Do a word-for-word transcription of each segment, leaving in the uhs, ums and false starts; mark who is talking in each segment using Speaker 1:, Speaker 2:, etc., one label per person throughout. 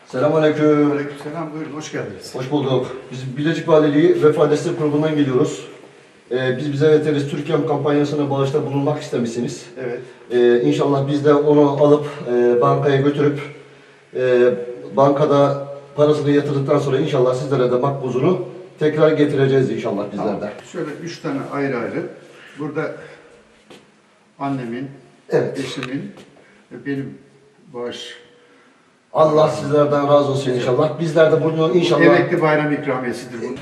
Speaker 1: Selamünaleyküm.
Speaker 2: Aleykümselam, buyurun, hoş geldiniz.
Speaker 1: Hoş bulduk. Biz Bilecik Valiliği Vefa Destek Kurumu'ndan geliyoruz. Ee, biz bize yeteriz Türkiye'm kampanyasına bağışta bulunmak istemişsiniz.
Speaker 2: Evet.
Speaker 1: Ee, İnşallah biz de onu alıp e, bankaya götürüp e, bankada parasını yatırdıktan sonra inşallah sizlere de makbuzunu tekrar getireceğiz inşallah bizler
Speaker 2: Tamam.
Speaker 1: de.
Speaker 2: Şöyle üç tane ayrı ayrı. Burada annemin,
Speaker 1: Evet.
Speaker 2: eşimin ve benim bağış.
Speaker 1: Allah sizlerden razı olsun inşallah. Bizler de bunu inşallah...
Speaker 2: Emekli bayram ikramiyesidir bu.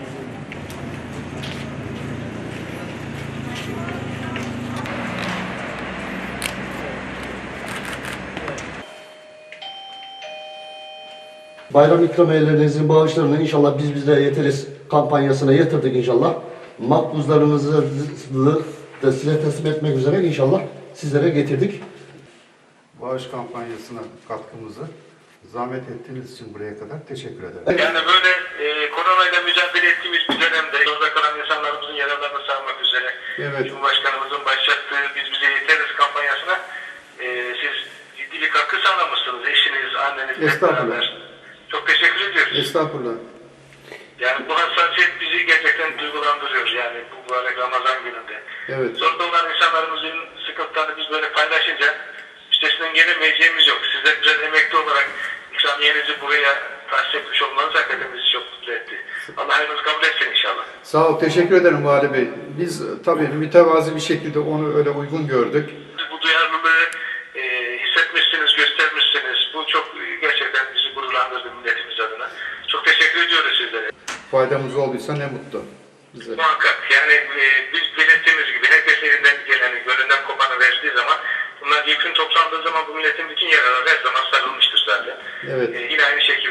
Speaker 1: Bayram ikramiyelerinizin bağışlarını inşallah biz bize yeteriz kampanyasına yatırdık inşallah. Makbuzlarınızı da size teslim etmek üzere inşallah sizlere getirdik.
Speaker 2: Bağış kampanyasına katkımızı zahmet ettiğiniz için buraya kadar teşekkür ederim.
Speaker 3: Yani böyle e, koronayla mücadele ettiğimiz bir dönemde yolda kalan insanlarımızın yaralarını sarmak üzere
Speaker 2: Evet.
Speaker 3: Cumhurbaşkanımızın başlattığı Biz Bize Yeteriz kampanyasına e, siz ciddi bir katkı sağlamışsınız. Eşiniz, anneniz hep
Speaker 2: Estağfurullah.
Speaker 3: beraber. Çok teşekkür ediyoruz.
Speaker 2: Estağfurullah.
Speaker 3: Yani bu hassasiyet bizi gerçekten duygulandırıyor yani bu mübarek Ramazan gününde.
Speaker 2: Evet.
Speaker 3: Zorda olan insanlarımızın sıkıntılarını biz böyle paylaşınca üstesinden gelemeyeceğimiz yok. Sizler biraz emekli olarak ikramiyenizi buraya tahsis etmiş olmanız hakikaten bizi çok mutlu etti. Allah hayrınızı kabul etsin inşallah.
Speaker 2: Sağ ol, teşekkür ederim Vali Bey. Biz e, tabii mütevazi bir şekilde onu öyle uygun gördük.
Speaker 3: Siz bu duyarlılığı e, hissetmişsiniz, göstermişsiniz. Bu çok e, gerçekten bizi gururlandırdı milletimiz adına. Çok teşekkür ediyoruz sizlere.
Speaker 2: Faydamız olduysa ne mutlu bize.
Speaker 3: Muhakkak yani e, biz belirttiğimiz gibi herkes elinden geleni, gönlünden kopanı verdiği zaman bunlar yükün toplandığı zaman bu milletin bütün yaraları her zaman sarılmıştır zaten.
Speaker 2: Evet.
Speaker 3: E, yine aynı şekilde